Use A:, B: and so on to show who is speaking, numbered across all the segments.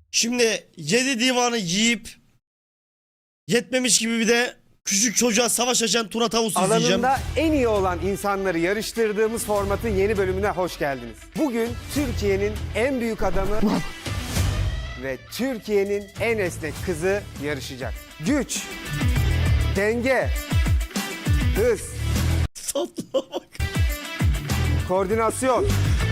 A: Şimdi 7 divanı yiyip yetmemiş gibi bir de küçük çocuğa savaş açan Tuna Tavus izleyeceğim.
B: Alanında en iyi olan insanları yarıştırdığımız formatın yeni bölümüne hoş geldiniz. Bugün Türkiye'nin en büyük adamı ve Türkiye'nin en esnek kızı yarışacak. Güç, denge, hız,
A: Tatlığa bak.
B: koordinasyon,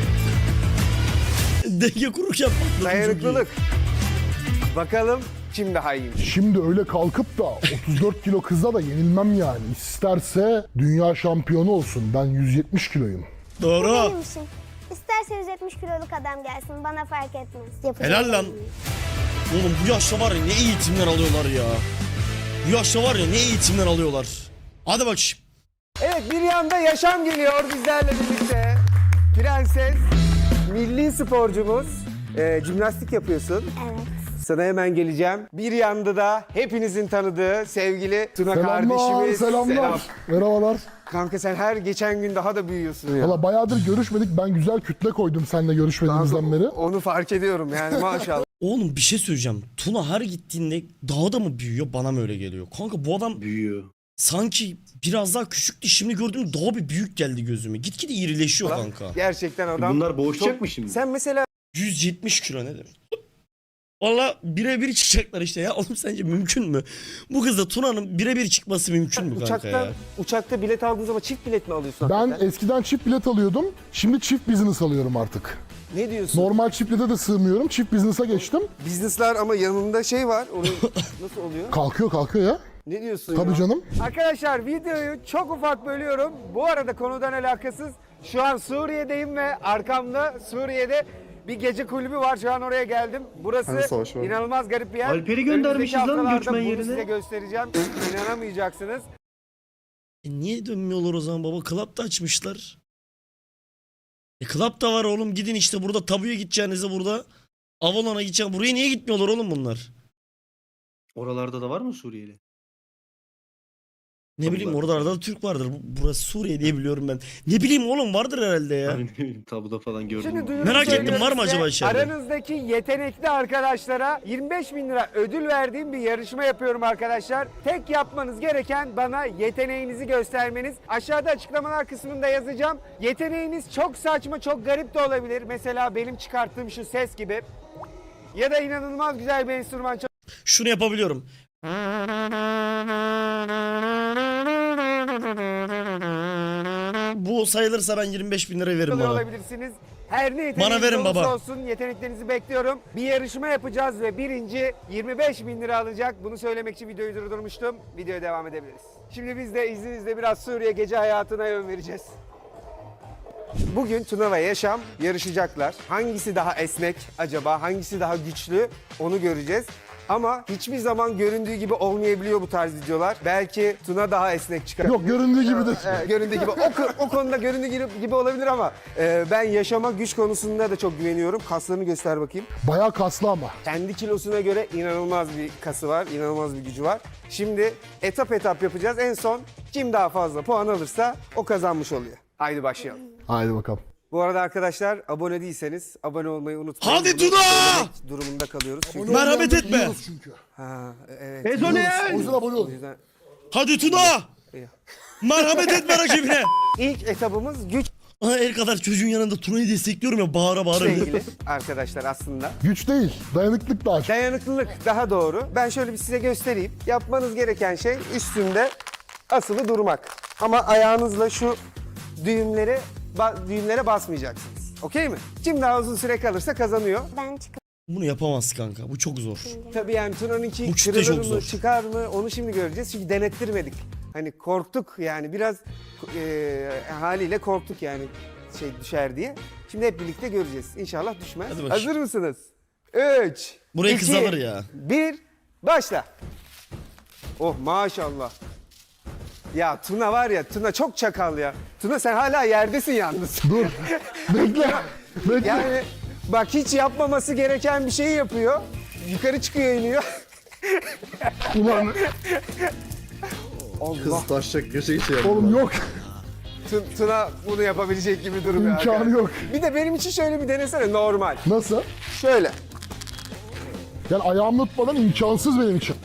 A: Denge kururken patladım,
B: dayanıklılık. Bakalım kim daha iyiymiş.
C: Şimdi öyle kalkıp da 34 kilo kıza da yenilmem yani. İsterse dünya şampiyonu olsun. Ben 170 kiloyum.
A: Doğru.
D: Benim işim. İsterse 170 kiloluk adam gelsin bana fark etmez. Yapacak
A: Helal lan.
D: bir şey yok.
A: Oğlum bu yaşta var ya ne eğitimler alıyorlar ya. Bu yaşta var ya ne eğitimler alıyorlar. Hadi bak şimdi.
B: Evet, bir yanda Yaşam geliyor bizlerle birlikte. Prenses, milli sporcumuz. Jimnastik yapıyorsun.
D: Evet.
B: Sana hemen geleceğim. Bir yanda da hepinizin tanıdığı sevgili Tuna
C: Selamlar,
B: kardeşimiz.
C: selamlar.
B: Selam.
C: Merhabalar.
B: Kanka sen her geçen gün daha da büyüyorsun ya.
C: Valla bayağıdır görüşmedik. Ben güzel kütle koydum seninle görüşmediğimizden beri.
B: Onu fark ediyorum yani maşallah.
A: Oğlum bir şey söyleyeceğim. Tuna her gittiğinde daha da mı büyüyor bana mı öyle geliyor? Kanka bu adam
E: Büyüyor.
A: sanki biraz daha küçüktü. Şimdi gördüğüm daha bir büyük geldi gözüme. Gitgide irileşiyor kanka.
B: Gerçekten adam.
E: Bunlar boğuşacak
B: çok-
E: mı şimdi?
B: Sen mesela
A: 170 kilo ne demek? Valla birebir çıkacaklar işte ya. Oğlum sence mümkün mü? Bu kızla Tuna'nın birebir çıkması mümkün mü kanka ya?
B: uçakta bilet aldığın zaman çift bilet mi alıyorsun
C: Ben
B: hakikaten?
C: eskiden çift bilet alıyordum. Şimdi çift business alıyorum artık.
B: Ne diyorsun?
C: Normal çift bilete de sığmıyorum. Çift business'a geçtim.
B: Business'lar ama yanında şey var. Onu nasıl oluyor?
C: Kalkıyor ya.
B: Ne diyorsun
C: Tabii
B: ya?
C: canım.
B: Arkadaşlar videoyu çok ufak bölüyorum. Bu arada konudan alakasız. Şu an Suriye'deyim ve arkamda Suriye'de bir gece kulübü var. Şu an oraya geldim. Burası inanılmaz garip bir yer.
E: Alper'i göndermişiz
B: Önümüzdeki
E: lan
B: haftalarda
E: göçmen
B: bunu
E: yerine.
B: size göstereceğim. İnanamayacaksınız.
A: Niye dönmüyorlar o zaman baba? Club da açmışlar. Club da var oğlum. Gidin işte burada tabuya gideceğinize burada. Avalon'a gideceğim. Buraya niye gitmiyorlar oğlum bunlar?
E: Oralarda da var mı Suriyeli?
A: Ne bileyim orada arada Türk vardır. Burası Suriye diye biliyorum ben. Ne bileyim oğlum vardır herhalde ya.
E: Hani ne bileyim tabuda falan gördüm.
B: Şimdi
E: Ama.
B: duyurumu
A: Merak ettim,
B: söylüyorum
A: var mı
B: size.
A: acaba içeride?
B: Aranızdaki yetenekli arkadaşlara 25.000 lira ödül verdiğim bir yarışma yapıyorum arkadaşlar. Tek yapmanız gereken bana yeteneğinizi göstermeniz. Aşağıda açıklamalar kısmında yazacağım. Yeteneğiniz çok saçma, çok garip de olabilir. Mesela benim çıkarttığım şu ses gibi. Ya da inanılmaz güzel bir enstrüman
A: Şunu yapabiliyorum. Bu sayılırsa ben 25.000 lira veririm
B: çalıyor
A: bana.
B: olabilirsiniz. Her ne yeteneğiniz
A: Bana verin
B: olursa
A: baba.
B: olsun yeteneklerinizi bekliyorum. Bir yarışma yapacağız ve birinci 25.000 lira alacak. Bunu söylemek için videoyu durdurmuştum. Videoya devam edebiliriz. Şimdi biz de izninizle biraz Suriye gece hayatına yön vereceğiz. Bugün Tuna ve Yaşam yarışacaklar. Hangisi daha esnek acaba, hangisi daha güçlü onu göreceğiz. Ama hiçbir zaman göründüğü gibi olmayabiliyor bu tarz videolar. Belki Tuna daha esnek çıkar.
C: Yok göründüğü gibi de.
B: Göründüğü gibi. O konuda göründüğü gibi olabilir ama ben Yaşam'a güç konusunda da çok güveniyorum. Kaslarını göster bakayım.
C: Bayağı kaslı ama.
B: Kendi kilosuna göre inanılmaz bir kası var, inanılmaz bir gücü var. Şimdi etap etap yapacağız. En son kim daha fazla puan alırsa o kazanmış oluyor. Haydi başlayalım.
C: Haydi bakalım.
B: Bu arada arkadaşlar abone değilseniz abone olmayı unutmayın.
A: Hadi
B: Bunu
A: Tuna!
B: söylemek durumunda kalıyoruz. Çünkü...
A: Merhamet etme.
C: Yiyoruz çünkü.
B: Ha, evet.
C: O yüzden abone
B: O
C: olun.
B: yüzden
A: Hadi Tuna! Merhamet etme rakibine.
B: ilk etabımız güçle
A: Aha, el kadar çocuğun yanında Tuna'yı destekliyorum ya bağıra bağıra.
B: ilgili arkadaşlar aslında.
C: Güç değil. Dayanıklık daha çok.
B: Dayanıklılık daha doğru. Ben şöyle bir size göstereyim. Yapmanız gereken şey üstünde asılı durmak. Ama ayağınızla şu düğümlere basmayacaksınız. Okey mi? Kim daha uzun süre kalırsa kazanıyor.
D: Ben çıkıp
A: Bunu yapamaz kanka. Bu çok zor.
B: Tabii yani Tuna'nınki
A: Bu kütle
B: kırılır
A: çok
B: mı,
A: zor.
B: çıkar mı onu şimdi göreceğiz. Çünkü denettirmedik. Hani korktuk yani biraz haliyle korktuk yani şey düşer diye. Şimdi hep birlikte göreceğiz. İnşallah düşmez.
A: Hadi bakayım.
B: Hazır mısınız? 3,
A: Burayı
B: 2,
A: kız alır ya.
B: 1, başla. Oh maşallah. Ya Tuna var ya, Tuna çok çakal ya. Tuna sen hala yerdesin yalnız.
C: Dur. Bekle. Bekle.
B: Yani bak hiç yapmaması gereken bir şeyi yapıyor. Yukarı çıkıyor iniyor.
C: Ulan
B: Allah.
E: Kız taşacak göze şey yaptı.
C: oğlum yok.
B: Tuna bunu yapabilecek gibi durmuyor.
C: İmkanı yok.
B: Bir de benim için şöyle bir denesene normal.
C: Nasıl?
B: Şöyle.
C: Yani ayağımla tutmadan imkansız benim için.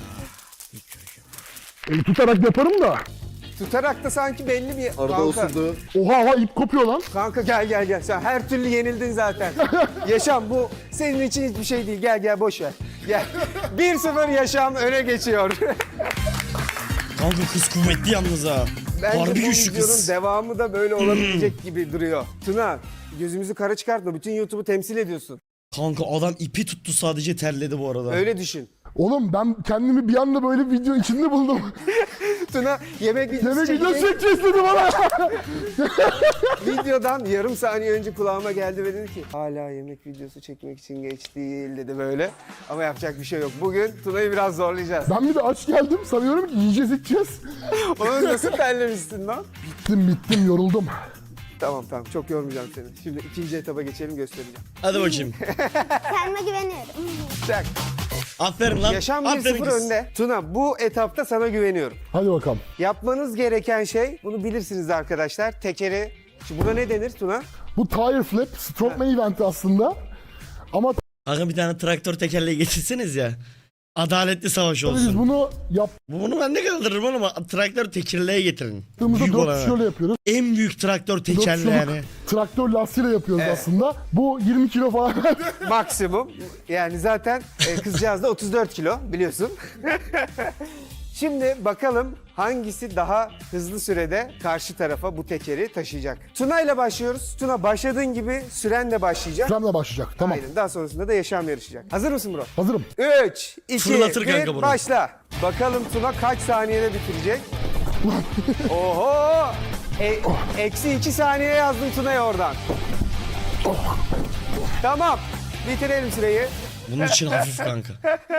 C: Eli tutarak yaparım da.
B: Tutarak da sanki belli bir...
E: Arada
B: Kanka,
E: osurdu.
C: Oha ip kopuyor lan.
B: kanka gel. Sen her türlü yenildin zaten. Yaşam bu senin için hiçbir şey değil. Gel boş ver. Gel. 1-0 Yaşam öne geçiyor.
A: Kanka kız kuvvetli yalnız ha.
B: Bence
A: Harbi
B: bu
A: güçlü
B: videonun
A: kız.
B: devamı da böyle olabilecek gibi duruyor. Tuna, gözümüzü kara çıkartma. Bütün YouTube'u temsil ediyorsun.
A: Kanka adam ipi tuttu sadece terledi bu arada.
B: Öyle düşün.
C: Oğlum ben kendimi bir anda böyle video içinde buldum.
B: Tuna yemek videosu
C: Yemek video
B: çekecek.
C: çekeceğiz dedi bana.
B: Videodan yarım saniye önce kulağıma geldi ve dedi ki hala yemek videosu çekmek için geç değil dedi böyle. Ama yapacak bir şey yok. Bugün Tuna'yı biraz zorlayacağız.
C: Ben bir de aç geldim. Sanıyorum ki yiyeceğiz içeceğiz.
B: Onu nasıl terlemişsin lan?
C: Bittim yoruldum.
B: Tamam çok yormayacağım seni. Şimdi ikinci etaba geçelim göstereceğim.
A: Hadi bakayım.
D: Kendime güveniyorum.
B: Çak.
A: Aferin lan.
B: Yaşam
A: Aferin
B: 1-0
A: kız.
B: önde. Tuna bu etapta sana güveniyorum.
C: Hadi bakalım.
B: Yapmanız gereken şey, bunu bilirsiniz arkadaşlar. Tekeri, şimdi buna ne denir Tuna?
C: Bu tire flip strongman eventi aslında. Ama
A: Kanka bir tane traktör tekerleği getirseniz ya. Adaletli savaş
C: tabii biz
A: olsun.
C: bunu
A: Bunu ben de kaldırırım ama traktör tekerleği getirin.
C: yaptığımızda
A: Büyük
C: 4
A: olana.
C: kişiyle yapıyoruz.
A: En büyük traktör
C: 4
A: tekerleği yani.
C: traktör lastiğiyle yapıyoruz aslında. Bu 20 kilo falan.
B: Maksimum. Yani zaten kızcağız da 34 kilo biliyorsun. Şimdi bakalım hangisi daha hızlı sürede karşı tarafa bu tekeri taşıyacak. Tuna ile başlıyoruz. Tuna başladığın gibi süren de başlayacak.
C: Süremle başlayacak. Tamam.
B: Aynen. Daha sonrasında da Yaşam yarışacak. Hazır mısın bro?
C: Hazırım.
B: 3, 2,
A: Fırlatır
B: 1
A: kanka bunu.
B: başla. Bakalım Tuna kaç saniyede bitirecek? Oho! Eksi 2 saniye yazdın Tuna'ya oradan. Tamam. Bitirelim süreyi.
A: Bunun için hafif kanka.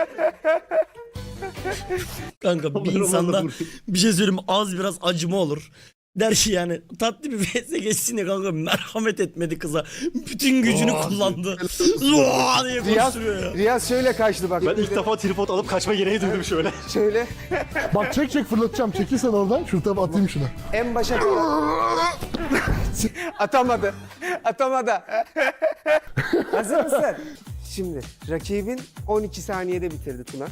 A: Kanka bir
E: Onları
A: insanda
E: onlarla vurayım.
A: bir şey söyleyeyim mi? Az biraz acıma olur. Der ki yani tatlı bir vs geçsin ya kanka merhamet etmedi kıza. Bütün gücünü kullandı. Zuaa diye koşturuyor ya.
B: Riyaz şöyle kaçtı bak.
F: Ben ilk defa tripod alıp kaçma gereği duydum şöyle.
B: Şöyle
C: Bak çek fırlatacağım. Çekil sen oradan. Şurada atayım şunu.
B: en başa atamadı. Hazır mısın? Şimdi rakibin 12 saniyede bitirdi Tuna.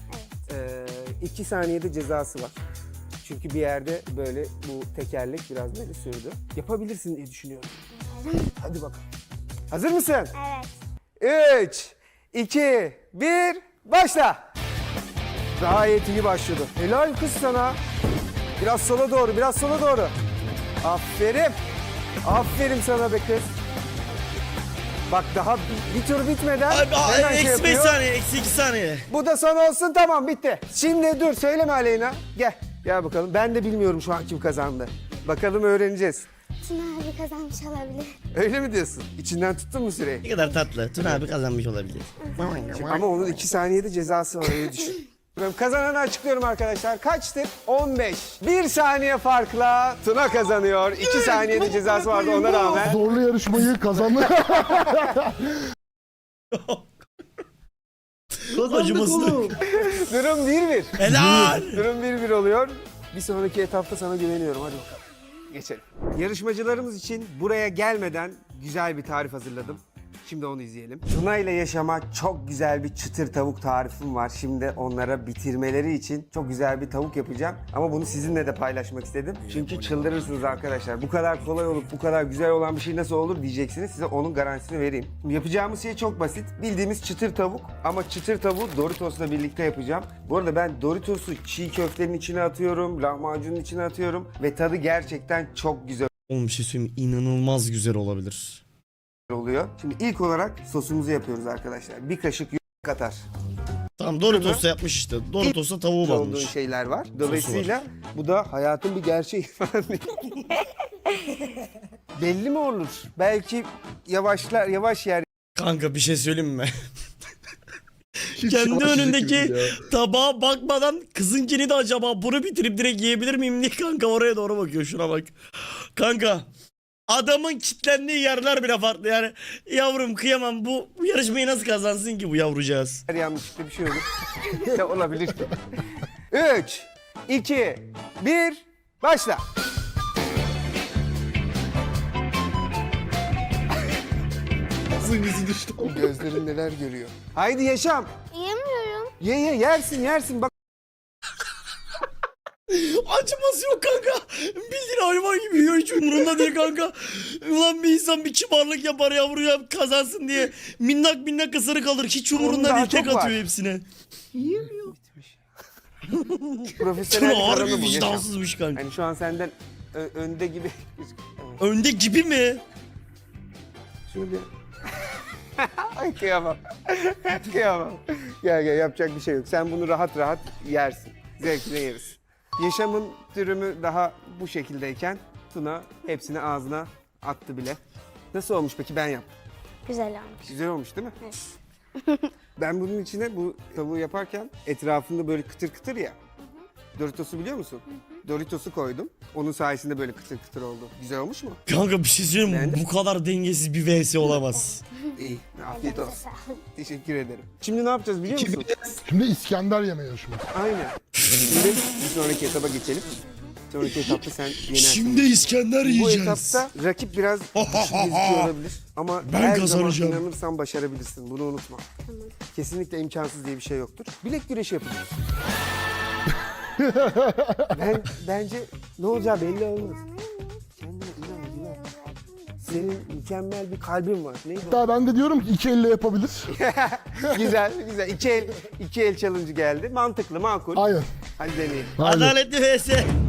B: 2 saniyede cezası var. Çünkü bir yerde böyle bu tekerlek biraz böyle sürdü. Yapabilirsin diye düşünüyorum. Hadi bakalım. Hazır mısın?
D: Evet.
B: 3, 2, 1, başla. Gayet iyi başladı. Helal kız sana. Biraz sola doğru. Aferin. Aferin sana be kız. Bak daha bir tur bitmeden hemen şey
A: Eksi 5
B: yapıyor.
A: saniye, eksi 2 saniye.
B: Bu da son olsun, tamam bitti. Şimdi dur, söyleme Aleyna. Gel bakalım. Ben de bilmiyorum şu an kim kazandı. Bakalım öğreneceğiz.
D: Tuna abi kazanmış olabilir.
B: Öyle mi diyorsun? İçinden tuttun mu süreyi?
A: Ne kadar tatlı. Tuna abi kazanmış olabilir.
B: Ama onun 2 saniyede cezası var, öyle düşün. Kazananı açıklıyorum arkadaşlar. Kaçtı? 15. 1 saniye farkla Tuna kazanıyor. 2 saniyede cezası vardı ona rağmen.
C: Zorlu yarışmayı kazandı.
E: Kazandık
A: Acımasızlık.
E: oğlum.
B: Durum 1-1.
A: Helal.
B: Durum 1-1 oluyor. Bir sonraki etapta sana güveniyorum. Hadi bakalım. Geçelim. Yarışmacılarımız için buraya gelmeden güzel bir tarif hazırladım. Şimdi onu izleyelim. Tuna ile yaşama çok güzel bir çıtır tavuk tarifim var. Şimdi onlara bitirmeleri için çok güzel bir tavuk yapacağım. Ama bunu sizinle de paylaşmak istedim. Çünkü çıldırırsınız arkadaşlar. Bu kadar kolay olup bu kadar güzel olan bir şey nasıl olur diyeceksiniz. Size onun garantisini vereyim. Yapacağımız şey çok basit. Bildiğimiz çıtır tavuk. Ama çıtır tavuğu Doritos'la birlikte yapacağım. Bu arada ben Doritos'u çiğ köftenin içine atıyorum, lahmacunun içine atıyorum. Ve tadı gerçekten çok güzel
A: Oğlum bir şey söyleyeyim mi? İnanılmaz güzel olabilir.
B: oluyor. Şimdi ilk olarak sosumuzu yapıyoruz arkadaşlar. Bir kaşık katar.
A: Tamam Doritos'ta yapmış işte. Doritos'ta tavuğu
B: olduğu
A: banmış.
B: şeyler var. Dolayısıyla bu da hayatın bir gerçeği falan değil. Belli mi olur? Belki yavaş yer.
A: Kanka bir şey söyleyeyim mi?
E: Hiç
A: Kendi
E: yavaş
A: önündeki
E: yürüdüm ya.
A: tabağa bakmadan kızınkini de acaba bunu bitirip direkt yiyebilir miyim diye kanka oraya doğru bakıyor. Şuna bak. Kanka adamın kitlendiği yerler bile farklı yani. Yavrum kıyamam, bu yarışmayı nasıl kazansın ki bu yavrucağız?
B: Yanlışlıkla bir şey olur. Ya olabilir. 3, 2, 1, başla.
C: Ağzın yüzü düştü.
B: Gözlerin neler görüyor. Haydi Yaşam.
D: Yemiyorum.
B: Ye yersin bak.
A: Acıması yok kanka. Bildiğin hayvan gibi yiyor, hiç umurunda değil kanka. Ulan bir insan bir kibarlık yapar yavruya kazansın diye. Minnak ısırık alır, hiç umurunda
B: daha
A: değil, tek
B: çok var.
A: atıyor hepsine.
B: Profesyonel
A: Tuna harbi
B: kanalı bu Yaşam.
A: vicdansızmış kanka.
B: Hani şu an senden önde gibi. Evet.
A: Önde gibi mi?
B: Şöyle. Ay kıyamam. Kıyamam. Gel yapacak bir şey yok. Sen bunu rahat rahat yersin. Zevkine yeriz. Yaşamın dürümü daha bu şekildeyken Tuna hepsini ağzına attı bile. Nasıl olmuş peki, ben yaptım.
D: Güzel olmuş.
B: Güzel olmuş değil mi? Ben bunun içine bu tavuğu yaparken etrafında böyle kıtır kıtır ya. Doritos'u biliyor musun? Doritos'u koydum. Onun sayesinde böyle kıtır kıtır oldu. Güzel olmuş mu?
A: Kanka bir şey söyleyeyim mi?
B: Beğendin?
A: Bu kadar dengesiz bir vs olamaz.
B: İyi. Afiyet olsun. Teşekkür ederim. Şimdi ne yapacağız biliyor musun?
C: Şimdi İskender yeme yarışması.
B: Aynen. Şimdi bir sonraki etaba geçelim. Sonraki etapta sen yenersin.
A: Şimdi İskender
B: Bu
A: yiyeceğiz.
B: etapta rakip biraz düşük gözüküyor olabilir. Ama
A: Ben
B: her
A: kazanacağım.
B: zaman inanırsan başarabilirsin. Bunu unutma. Kesinlikle imkansız diye bir şey yoktur. Bilek güreşi yapacağız. Bence ne olacağı belli olmaz. Kendine inan. Senin mükemmel bir kalbin var. Neydi o?
C: Hatta ben de diyorum ki 2 elle yapabilir.
B: Güzel. İki el challenge geldi. Mantıklı, makul.
C: Aynen.
B: Hadi deneyelim.
C: Aynen.
A: Adaletli vs.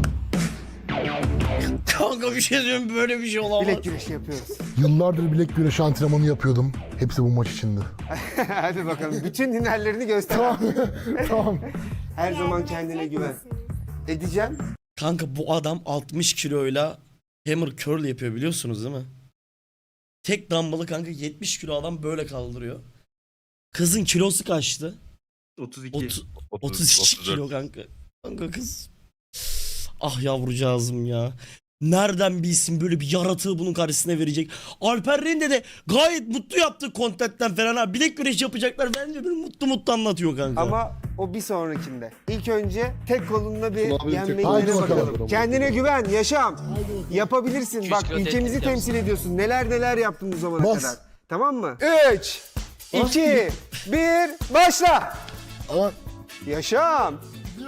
A: Kanka bir şey diyorum, böyle bir şey olamaz.
B: Bilek güreşi yapıyoruz.
C: Yıllardır bilek güreşi antrenmanı yapıyordum. Hepsi bu maç içindi.
B: Hadi bakalım. Bütün hünerlerini göster.
C: Tamam.
B: Her zaman kendine güven. Edeceğim.
A: Kanka bu adam 60 kiloyla hammer curl yapıyor, biliyorsunuz değil mi? Tek dumbbell'ı kanka 70 kilo adam böyle kaldırıyor. Kızın kilosu kaçtı?
F: 32.
A: 32 kilo kanka. Kanka kız. Ah yavrucağızım ya. Nereden bilsin böyle bir yaratığı bunun karşısına verecek. Alper Rende de gayet mutlu yaptığı kontentten falan ha. Bilek güreşi yapacaklar. Bence böyle mutlu anlatıyor kanka.
B: Ama o bir sonrakinde. İlk önce tek kolunla bir
C: Haydi
B: yenmeyi
C: bakalım.
B: bakalım. Kendine güven, Yaşam. Yapabilirsin. Bak ülkemizi temsil ediyorsun. Neler yaptın bu zamana
C: Bas.
B: kadar. Tamam mı? 3, 2, 1, başla.
C: Ama
B: Yaşam.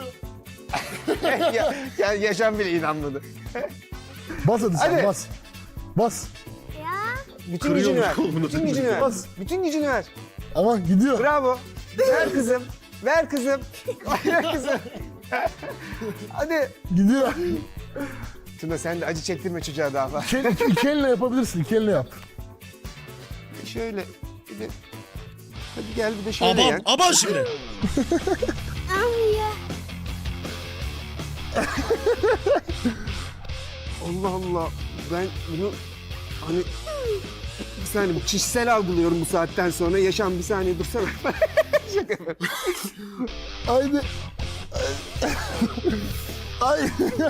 B: Yaşam bile inanmadı.
C: bas hadi sen
B: Hadi.
C: bas. Bas.
D: Ya
B: Bütün gücünü ver.
F: kolunu.
B: Bütün gücünü ver.
C: Bas.
B: Bütün gücünü ver.
C: Ama gidiyor.
B: Bravo. Ver kızım. Ver kızım. Ver kızım. Hadi.
C: Gidiyor.
B: Tuna sen de acı çektirme çocuğa daha fazla.
C: İki elle yapabilirsin. 2 elle yap.
B: Şöyle. Bir de... Hadi gel bir de şöyle
A: Aman,
B: yen.
A: aman şimdi.
D: amya.
B: Allah Allah. Ben bunu hani bir saniye kişisel algılıyorum bu saatten sonra. Yaşam bir saniye dursana. Şaka yapıyorum.
C: Haydi. Ay.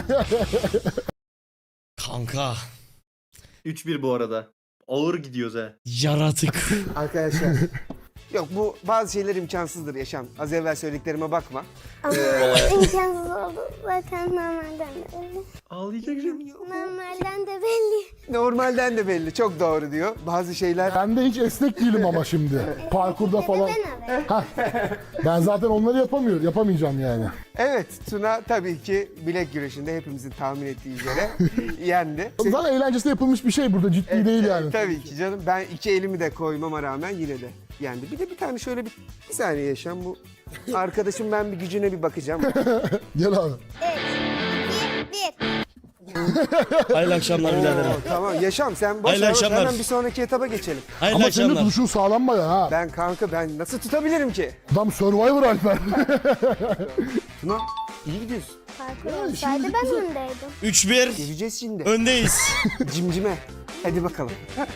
A: Kanka.
F: 3-1 bu arada. Ağır gidiyoruz ha.
A: Yaratık.
B: Arkadaşlar. Yok bu bazı şeyler imkansızdır Yaşam. Az evvel söylediklerime bakma.
D: Ama imkansız oldu. Zaten normalden de belli.
F: Ağlayacağım.
D: Normalden de belli.
B: Normalden de belli. Çok doğru diyor. Bazı şeyler...
C: Ben de hiç esnek değilim ama şimdi. Parkurda falan.
D: Ben abi.
C: Ben zaten onları yapamayacağım yani.
B: Evet Tuna tabii ki bilek güreşinde hepimizin tahmin ettiği üzere yendi.
C: Zaten eğlencesine yapılmış bir şey burada, ciddi değil yani.
B: Tabii ki canım. Ben iki elimi de koymama rağmen yine de yendi. Bir de bir tane şöyle bir saniye Yaşam bu. Arkadaşım ben bir gücüne bir bakacağım.
C: Gel abi.
D: 3, 2, 1.
A: Hayırlı akşamlar biraderim.
B: Tamam Yaşam sen boş
A: Hayırlı
B: ver.
A: akşamlar.
B: Hemen bir sonraki etaba geçelim.
A: Hayırlı
C: Ama senin de
A: akşamlar.
C: duruşun sağlam bayağı ha.
B: Ben kanka ben nasıl tutabilirim ki?
C: Adam Survivor Alper.
B: Tuna iyi gidiyorsun.
D: Parkur olsaydı ben öndeydim.
A: 3-1
B: Geleceğiz şimdi.
A: öndeyiz.
B: Cimcime. Hadi bakalım.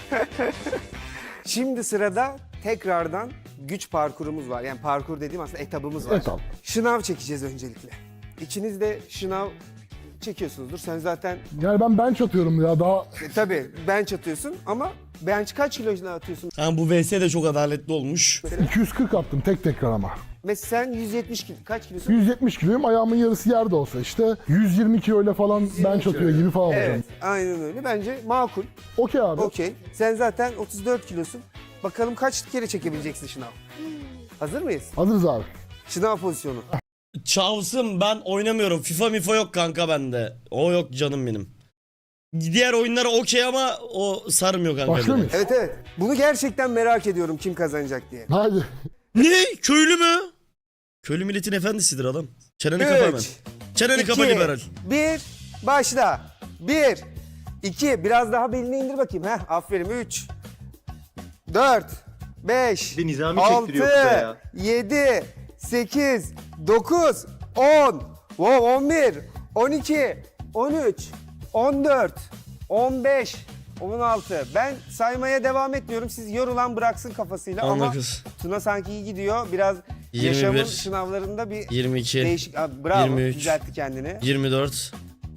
B: Şimdi sırada tekrardan güç parkurumuz var. Yani parkur dediğim aslında etabımız var.
C: Etap.
B: Şınav çekeceğiz öncelikle. İkiniz de şınav çekiyorsunuzdur. Sen zaten
C: Yani ben bench atıyorum ya daha.
B: tabii bench atıyorsun ama bench kaç kiloyla atıyorsun?
A: Yani bu vs de çok adaletli olmuş.
C: 240 attım tek tekrar ama.
B: Mesela sen 170 kilo. Kaç kilosun?
C: 170 kiloyum, ayağımın yarısı yerde olsa işte 120 kiloyla falan bench atıyor gibi falan olacağım.
B: Evet, aynen öyle. Bence makul.
C: Okey abi.
B: Okey. Sen zaten 34 kilosun. Bakalım kaç kere çekebileceksin şınav. Hazır mıyız?
C: Hazırız abi.
B: Şınav pozisyonu.
A: Çavsım ben oynamıyorum. FIFA mifa yok kanka bende. O yok canım benim. Diğer oyunlara okey ama o sarmıyor kanka.
C: Başlıyor
A: beni.
C: muyuz?
B: Evet. Bunu gerçekten merak ediyorum kim kazanacak diye.
C: Haydi.
A: Ne? Köylü mü? Köylü milletin efendisidir adam. Çeneni kapa hemen.
B: 3,
A: Çeneni kapa
B: 2,
A: liberal.
B: 1, başla. 1, 2, biraz daha belini indir bakayım. Heh, aferin. 3, 4, 5,
F: Bir Nizami
B: 6,
F: çektiriyor kıza ya.
B: 7, 8, 9, 10, 11, 12, 13, 14, 15, 16. Ben saymaya devam etmiyorum. Siz yorulan bıraksın kafasıyla ama
A: 19,
B: Tuna sanki iyi gidiyor. Biraz
A: 21,
B: yaşamın sınavlarında bir
A: 22,
B: değişik. Abi, bravo,
A: 23,
B: düzeltti kendini.
A: 24,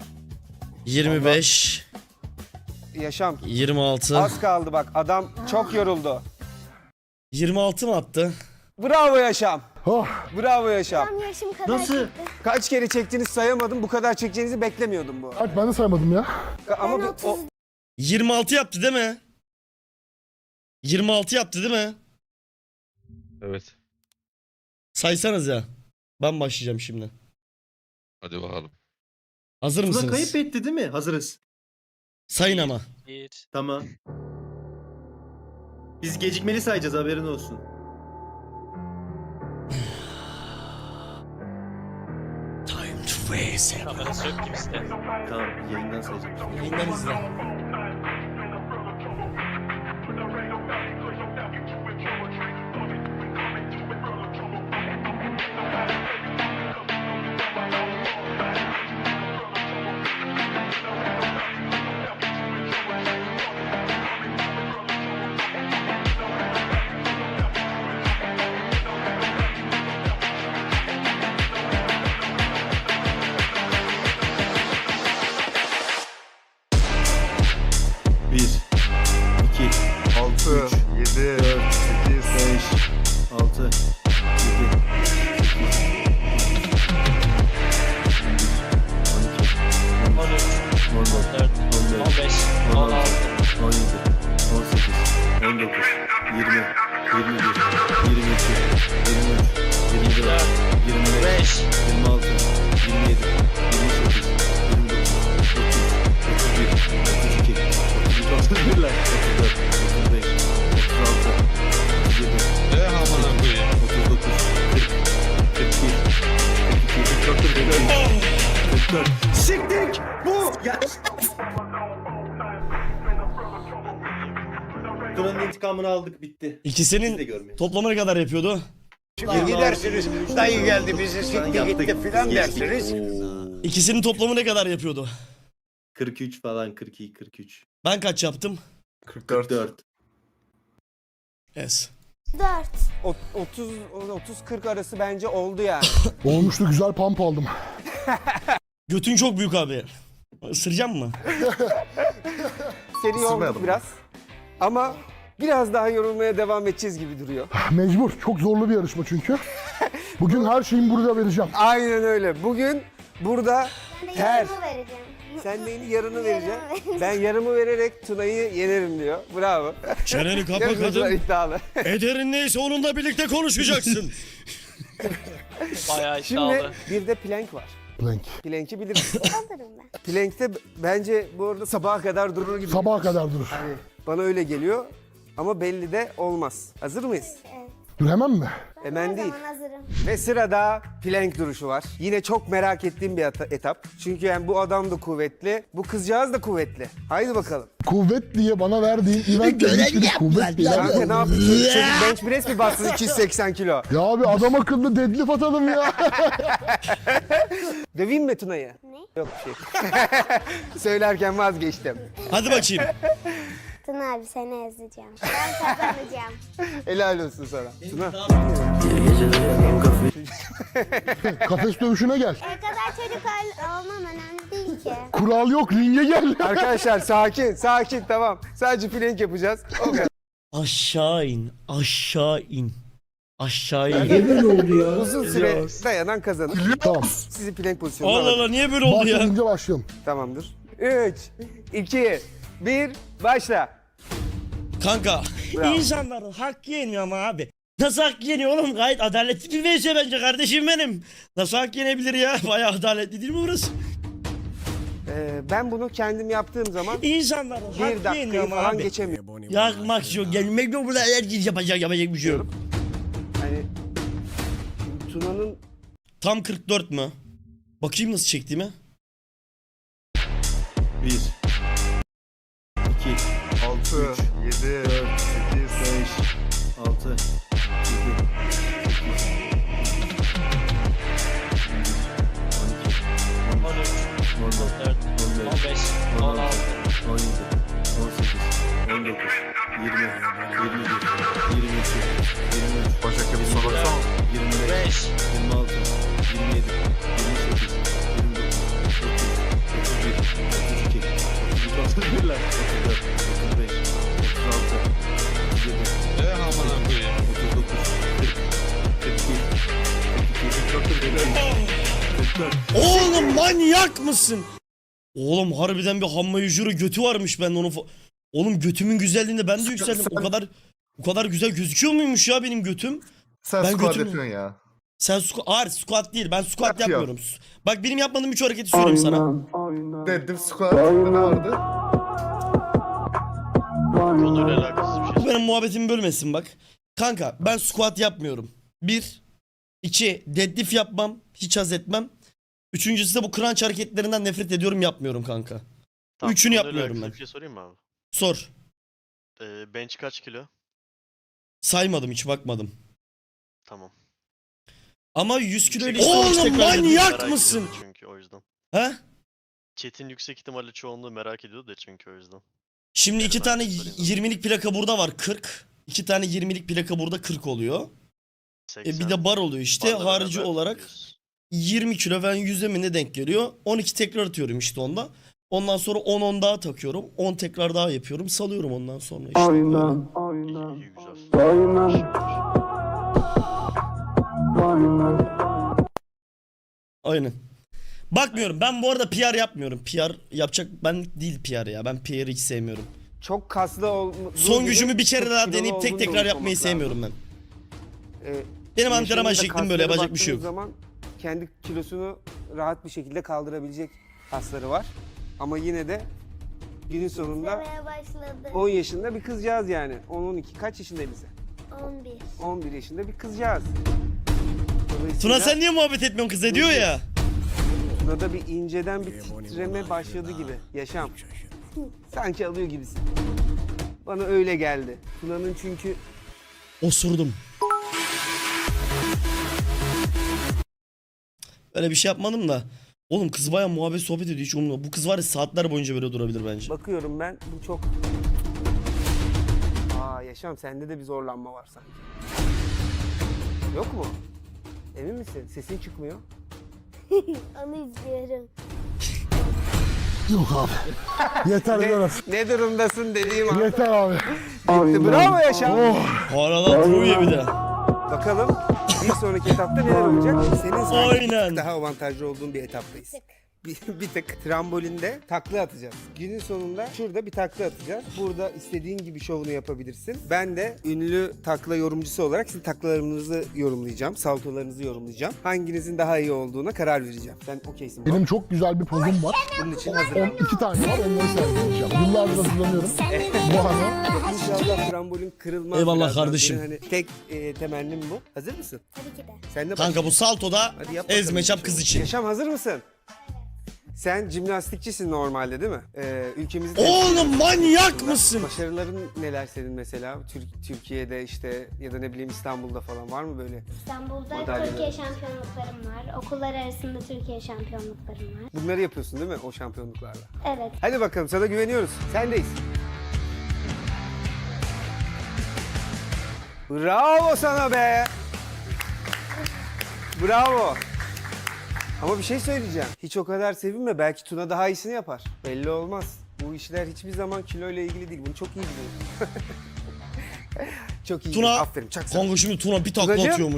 A: 25,
B: Yaşam.
A: 26.
B: Az kaldı bak. Adam çok yoruldu.
A: 26 mı attı?
B: Bravo Yaşam.
C: Oh,
B: Bravo Yaşam.
D: Tam yaşım kadar
F: Nasıl?
D: çıktı.
B: Kaç kere çektiğinizi sayamadım. Bu kadar çekeceğinizi beklemiyordum bu.
C: Alp ben de saymadım ya.
B: Ama
D: Ben
B: o
A: 26 yaptı değil mi? 26 yaptı değil mi?
E: Evet.
A: Saysanız ya. Ben başlayacağım şimdi.
E: Hadi bakalım.
A: Hazır
F: Tuna
A: mısınız?
F: kayıp etti değil mi? Hazırız.
A: Sayın ama.
F: Tamam. Biz gecikmeli sayacağız, haberin olsun.
A: Time to face.
G: Kamerası yok gibi işte.
F: Tamam, yayından sayacağım.
A: Yayından izle.
F: Bir, iki,
H: 6, 7, 8,
F: 5, 6, 7,
G: 14, 15, 16, 5,
E: Amına koyayım.
F: 44. Siktik! Bu! Ya! Tuna'nın intikamını aldık, bitti. Biz de
A: İkisinin
F: görmeyiz.
A: toplamı ne kadar yapıyordu?
H: gidersiniz. Dayı geldi bizi sikti gitti filan dersiniz.
A: İkisinin toplamı ne kadar yapıyordu?
F: 43 falan, 42, 43.
A: Ben kaç yaptım?
F: 44.
A: Yes.
D: 4.
B: 30-40 arası bence oldu yani.
C: Olmuştu, güzel pump aldım.
A: Götün çok büyük abi. Isıracağım mı?
B: Seni yorduk biraz. Ama biraz daha yorulmaya devam edeceğiz gibi duruyor.
C: Mecbur. Çok zorlu bir yarışma çünkü. Bugün her şeyimi burada vereceğim.
B: Aynen öyle. Bugün burada
D: Ben de
B: ter.
D: yarımı vereceğim.
B: Sen neyin yarını vereceksin?
D: vereceğim.
B: Ben yarımı vererek Tuna'yı yenerim diyor. Bravo.
A: Çeneni kapa
B: Yarışmacılar
A: kadın.
B: iddialı.
A: Ederin neyse onunla birlikte konuşacaksın.
G: bayağı
B: Şimdi
G: iddialı.
B: bir de plank var.
C: Plank.
B: Plank'i bilirsin.
D: Alırım ben.
B: Plank'te bence bu arada sabaha kadar durur gibi.
C: Sabaha kadar durur.
B: Hani bana öyle geliyor. Ama belli de olmaz. Hazır mıyız?
D: Evet.
C: Dur hemen mi?
B: Hemen
D: Her
B: değil.
D: zaman hazırım.
B: Ve sırada plank duruşu var. Yine çok merak ettiğim bir etap. Çünkü yani bu adam da kuvvetli, bu kızcağız da kuvvetli. Haydi bakalım.
C: Kuvvet diye bana verdiğin eventte hiçbiri kuvvet değil.
B: Kanka ne yapıyorsun? Çocuk bench press mi bassın 280 kilo?
C: Ya abi adam akıllı deadlift atalım ya.
B: Döveyim mi Tuna'yı?
D: Ne?
B: Yok bir şey. Söylerken vazgeçtim.
A: Hadi bakayım.
D: Tuna abi seni ezeceğim. Ben kazanacağım.
B: Helal olsun sana. Tuna.
C: Kafes dövüşüne gel.
D: kadar çocuk olmam önemli değil ki.
C: Kural yok, ringe gel.
B: Arkadaşlar sakin, sakin tamam. Sadece plank yapacağız. O kadar.
A: Aşağı in. Aşağı in. Aşağı in.
B: Uzun süre dayanan kazanır.
C: Tamam.
B: Sizi plank pozisyonuna
A: Allah
B: alın.
A: Allah niye böyle oldu ya?
C: Başlayınca başlayalım.
B: Tamamdır. 3, 2, 1, başla.
A: Kanka
B: Bravo.
A: insanların hakkı yeniyor ama abi. Nasıl hak yeniyor oğlum? Gayet adaletli bir VS bence kardeşim benim. Nasıl hak yenebilir ya? Bayağı adaletli değil mi burası?
B: Ben bunu kendim yaptığım zaman
A: İnsanların
B: bir
A: hakkı yeniyor
B: dakikayı
A: ama
B: falan
A: abi.
B: geçemiyorum.
A: Yakmak yok. Gelmek yok. Burada herkes yapacak bir şey yok.
B: Hani şimdi Tuna'nın
A: Tam 44 mü? Bakayım nasıl çektiğimi.
F: 1 2 6 3 7 4 8 5 6 7
G: 14, 15, 16,
F: 17 18 19 20 21 22 23
H: Başka bir soru baksana.
F: 25
G: 5,
F: 26 27 28 29 30 31 32 33 34 35 36 37
E: Eh amına koyayım.
F: 39 40 41
A: Oğlum manyak mısın? Oğlum harbiden bir hamma yücürü götü varmış, ben onu oğlum götümün güzelliğinde ben de yükseldim. O kadar güzel gözüküyor muymuş ya benim götüm?
H: Sen
A: Ben
H: squat
A: götümü-
H: yapıyorsun ya.
A: Sen squat değil. Ben squat
H: Yapıyor.
A: yapmıyorum. Bak benim yapmadığım 3 hareketi söyleyeyim sana.
H: Dedim squat. Ne vardı?
G: konuyla alakasız bir şey.
A: Bu benim muhabbetimi bölmesin bak. Kanka ben squat yapmıyorum. 1 2 deadlift yapmam. Hiç haz etmem. Üçüncüsü de bu crunch hareketlerinden nefret ediyorum, yapmıyorum kanka. Üçünü
I: konuyla
A: yapmıyorum
I: alakalı
A: ben.
I: Bir şey sorayım mı abi?
A: Sor.
I: Bench kaç kilo?
A: Saymadım, hiç bakmadım.
I: Tamam.
A: Ama 100 kilo ile
I: Yüksek
A: işte
I: ihtimalle
A: oğlum manyak
I: merak
A: mısın?
I: ediyordu çünkü o yüzden.
A: He?
I: Chat'in yüksek ihtimalle çoğunluğu merak ediyordu da çünkü o yüzden.
A: Şimdi
I: Evet,
A: iki
I: ben
A: tane
I: de sorayım.
A: 20'lik plaka burada var, 40. 2 tane 20'lik plaka burada 40 oluyor. Bir de bar oluyor işte.
I: Barla
A: Harici
I: beraber
A: olarak
I: diyorsun.
A: 20 kilo ben 100'e mi ne denk geliyor? 12 tekrar atıyorum işte onda. Ondan sonra 10 daha takıyorum. 10 tekrar daha yapıyorum. Salıyorum ondan sonra işte. Böyle.
I: İyi, güzel.
A: Aynen. Bakmıyorum. Ben bu arada PR yapmıyorum. PR yapacak ben değil PR ya. Ben PR'ı hiç sevmiyorum.
B: çok kaslı olduğu
A: Son
B: gibi
A: gücümü bir kere
B: çok
A: daha
B: kilolu
A: deneyip tek
B: olduğunu da
A: tekrar
B: unutmamak
A: yapmayı
B: lazım.
A: sevmiyorum ben.
B: Yaşamında
A: Benim antrenman şeklim böyle,
B: kaslara
A: yapacak bir şey yok.
B: baktığınız zaman kendi kilosunu rahat bir şekilde kaldırabilecek kasları var. Ama yine de günün sonunda
D: Demeye başladı.
B: 10 yaşında bir kızcağız yani. 10-12 kaç yaşında Elise?
D: 11.
B: 11 yaşında bir kızcağız. Dolayısıyla
A: Tuna sen niye muhabbet etmiyorsun, kız ediyor ya.
B: Tuna'da bir inceden bir titreme başladı gibi. Yaşam. Sanki alıyor gibisin. Bana öyle geldi. Tuna'nın çünkü
A: Osurdum. Öyle bir şey yapmadım da. Oğlum kız bayağı muhabbet sohbet ediyor, hiç umurumda. Bu kız var ya saatler boyunca böyle durabilir bence.
B: bakıyorum ben bu çok... Yaşam sende de bir zorlanma var sanki. Yok mu? Emin misin? Sesin çıkmıyor.
D: Onu izliyorum.
C: Yok abi. Yeter biraz.
B: Ne durumdasın dediğim an.
C: Yeter abi.
B: Bitti. Bravo Yaşam.
A: Hala Tru'ya bir de.
B: Bakalım bir sonraki etapta neler olacak? Senin sanki bir
A: Aynen.
B: tık daha avantajlı olduğun bir etaptayız. Bir tık trambolinde takla atacağız. Günün sonunda şurada bir takla atacağız. Burada istediğin gibi şovunu yapabilirsin. Ben de ünlü takla yorumcusu olarak sizin taklalarınızı yorumlayacağım. Saltolarınızı yorumlayacağım. Hanginizin daha iyi olduğuna karar vereceğim. Sen okeysin.
C: Benim çok güzel bir pozum var.
B: Bunun için hazırım.
C: 12 tane var, onları sergileyeceğim. Yıllardır hazırlanıyorum. Bu anı.
B: İnşallah trambolin kırılmaz.
A: Eyvallah
B: birazdan.
A: kardeşim.
B: Benim hani tek temennim bu. Hazır mısın?
D: Tabii ki de.
B: Sen de
A: Kanka bu saltoda
B: Hadi yap bakalım.
A: ezmeçap kız için.
B: Yaşam hazır mısın? Sen jimnastikçisin normalde değil mi? Ülkemizi
A: Oğlum manyak mısın?
B: Başarıların neler senin mesela? Türkiye'de işte ya da ne bileyim İstanbul'da falan var mı böyle?
D: İstanbul'da
B: Madalyalar.
D: Türkiye şampiyonluklarım var. Okullar arasında Türkiye şampiyonluklarım var.
B: Bunları yapıyorsun değil mi o şampiyonluklarla?
D: Evet.
B: Hadi bakalım sana güveniyoruz. Sendeyiz. Bravo sana be! Bravo! Ama bir şey söyleyeceğim. Hiç o kadar sevinme. Belki Tuna daha iyisini yapar. Belli olmaz. Bu işler hiçbir zaman kilo ile ilgili değil. Bunu çok iyi biliyorsun. Çok iyi.
A: Tuna,
B: Aferin. Çak sen.
A: kanka şimdi Tuna bir takla
B: Tunacığım.
A: atıyormuş.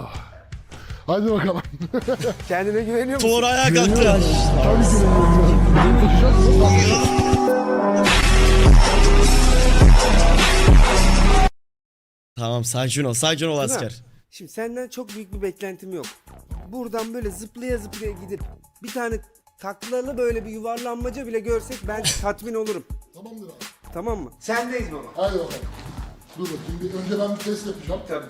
C: Hadi bakalım.
B: Kendine güveniyor musun?
A: Tuğra ayağa kalktı.
C: Tabii ki de güveniyorum. Bunu taşıyacak mı? Tamam, taşıyacak.
A: Tamam sakin ol asker.
B: Şimdi senden çok büyük bir beklentim yok. Buradan böyle zıplaya zıplaya gidip bir tane taklalı böyle bir yuvarlanmaca bile görsek ben tatmin olurum.
C: Tamamdır abi.
B: Tamam mı? Sendeyiz baba.
C: Haydi bakalım. Dur bakayım bir önce ben bir test yapacağım.
B: Tabii.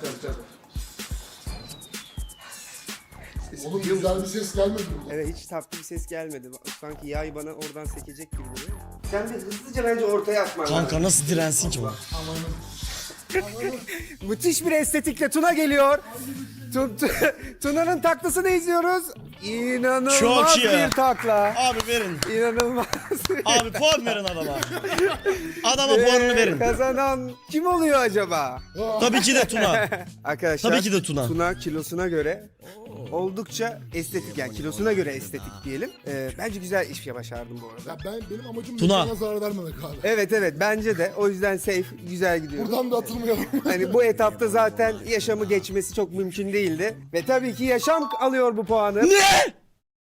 C: Oğlum güzel bir ses gelmedi mi?
B: Evet hiç tatlı bir ses gelmedi. Sanki yay bana oradan sekecek gibi duruyor. Sen de hızlıca bence ortaya atman lazım.
A: Kanka nasıl dirensin ki bu?
B: Müthiş bir estetikle Tuna geliyor. Tuna'nın taklasını izliyoruz. İnanılmaz
A: Çok iyi.
B: bir takla.
A: Abi verin.
B: İnanılmaz.
A: Abi puan verin adama. Adama puanını verin.
B: Kazanan kim oluyor acaba?
A: Tabii ki de Tuna.
B: Arkadaşlar
A: Tabii ki de Tuna.
B: Tuna kilosuna göre oldukça estetik, yani kilosuna göre estetik diyelim. Bence güzel iş başardım bu arada.
C: Ya benim amacım
A: Tuna.
C: mekana zarar vermemek abi.
B: Evet bence de, o yüzden safe, güzel gidiyor.
C: Buradan da atılmayalım.
B: Hani bu etapta zaten yaşamı geçmesi çok mümkün değildi. Ve tabii ki yaşam alıyor bu puanı.
A: Ne?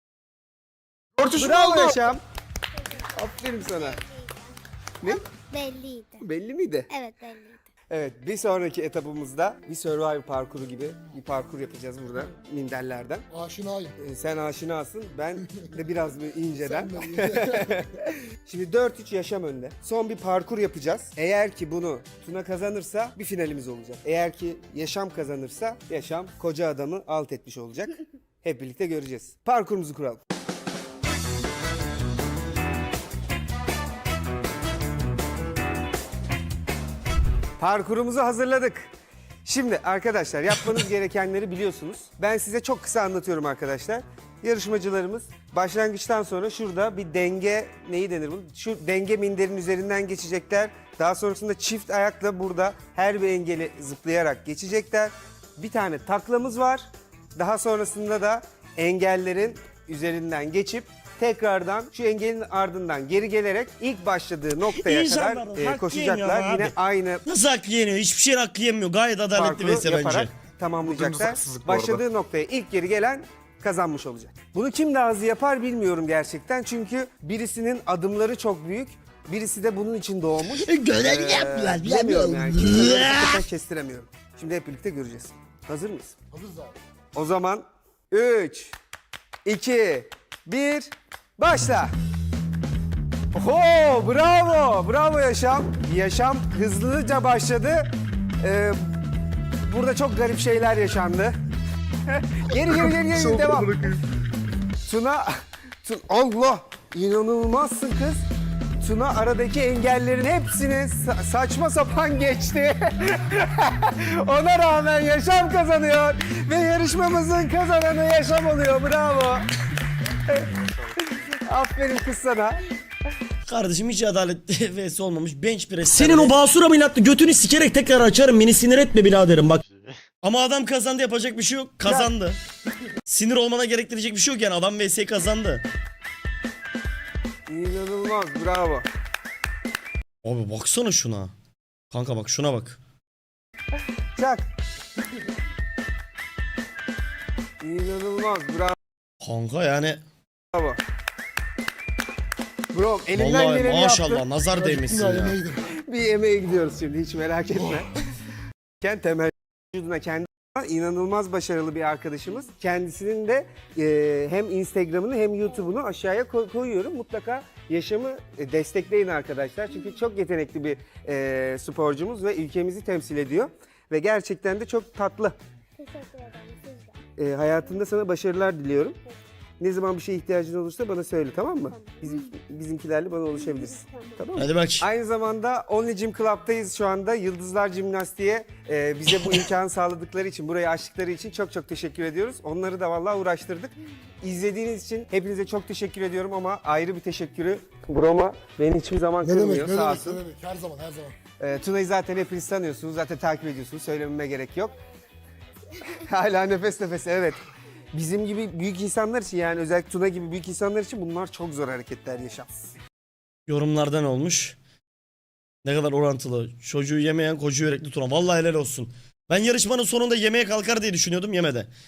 B: Bravo yaşam. Aferin sana. Ne?
D: Belliydi.
B: Belli miydi?
D: Evet belliydi.
B: Evet, bir sonraki etapımızda bir Survivor parkuru gibi bir parkur yapacağız burada minderlerden.
C: Aşinayım.
B: Sen aşinasın, ben de biraz bir inceden.
C: Sen de-
B: Şimdi 4-3 yaşam önde. Son bir parkur yapacağız. Eğer ki bunu Tuna kazanırsa bir finalimiz olacak. Eğer ki yaşam kazanırsa yaşam koca adamı alt etmiş olacak. Hep birlikte göreceğiz. Parkurumuzu kuralım. Parkurumuzu hazırladık. Şimdi arkadaşlar yapmanız gerekenleri biliyorsunuz. Ben size çok kısa anlatıyorum arkadaşlar. Yarışmacılarımız başlangıçtan sonra şurada bir denge, neyi denir bunun? Şu denge minderin üzerinden geçecekler. Daha sonrasında çift ayakla burada her bir engeli zıplayarak geçecekler. Bir tane taklamız var. Daha sonrasında da engellerin üzerinden geçip tekrardan şu engelin ardından geri gelerek ilk başladığı noktaya
A: İnsanlar
B: kadar
A: hak yemiyor
B: koşacaklar.
A: abi.
B: Yine aynı
A: Nasıl hakkı yeniyor? Hiçbir şeyin hakkı yemiyor. Gayet adaletli
B: parkuru
A: vs bence.
B: yaparak tamamlayacaklar.
F: haksızlık bu arada.
B: Başladığı noktaya ilk geri gelen kazanmış olacak. Bunu kim daha hızlı yapar bilmiyorum gerçekten. Çünkü birisinin adımları çok büyük. Birisi de bunun için doğmuş.
A: Görev yaptılar.
B: Bilemiyorum yani. Kimseleri hakikaten kestiremiyorum. Şimdi hep birlikte göreceğiz. Hazır mıyız?
C: Hazırız abi.
B: O zaman 3, 2, 1, başla. Oho, bravo, bravo Yaşam. Yaşam hızlıca başladı. Burada çok garip şeyler yaşandı. geri, devam. Tuna, Allah, inanılmazsın kız. Tuna aradaki engellerin hepsini saçma sapan geçti. Ona rağmen Yaşam kazanıyor ve yarışmamızın kazananı Yaşam oluyor. Bravo. Aferin kız sana.
A: Kardeşim hiç adaletli vs olmamış. Bench press. Senin o basur ameliyatlı götünü sikerek tekrar açarım. Beni sinir etme biraderim bak. Ama adam kazandı, yapacak bir şey yok. Kazandı. Sinir olmana gerektirecek bir şey yok yani. Adam vs kazandı.
B: İnanılmaz, bravo.
A: Abi baksana şuna. Kanka bak şuna bak.
B: Çak. İnanılmaz,
A: Kanka yani.
B: bravo. Bro, elinden
A: Vallahi
B: geleni
A: maşallah
B: yaptın.
A: nazar değmesin
C: Yine
A: ya.
C: yemeğiydim.
B: Bir yemeğe gidiyoruz şimdi, hiç merak etme. Temel vücuduna kendi inanılmaz başarılı bir arkadaşımız. Kendisinin de hem Instagram'ını hem YouTube'unu aşağıya koyuyorum. Mutlaka Yaşam'ı destekleyin arkadaşlar. Çünkü çok yetenekli bir sporcumuz ve ülkemizi temsil ediyor. Ve gerçekten de çok tatlı.
D: Teşekkür ederim siz de.
B: Hayatında sana başarılar diliyorum. Ne zaman bir şeye ihtiyacın olursa bana söyle, tamam mı? Bizimkilerle bana ulaşabilirsin. Tamam mı?
A: Hadi bak.
B: Aynı zamanda Only Gym Club'tayız şu anda. Yıldızlar Jimnastiğe bize bu imkanı sağladıkları için, burayı açtıkları için çok çok teşekkür ediyoruz. Onları da vallahi uğraştırdık. İzlediğiniz için hepinize çok teşekkür ediyorum ama ayrı bir teşekkürü Broma beni hiçbir zaman
C: Ne
B: kırmıyor,
C: demek, ne
B: sağ
C: demek,
B: olsun.
C: ne demek. Her zaman, her zaman.
B: Tuna'yı zaten hepiniz tanıyorsunuz, zaten takip ediyorsunuz. Söylememe gerek yok. Hala nefes nefese, evet. Bizim gibi büyük insanlar için, yani özellikle Tuna gibi büyük insanlar için bunlar çok zor hareketler Yaşam.
A: Yorumlardan olmuş. Ne kadar orantılı. Çocuğu yemeyen koca yürekli Tuna. Vallahi helal olsun. Ben yarışmanın sonunda yemeğe kalkar diye düşünüyordum, yemedi.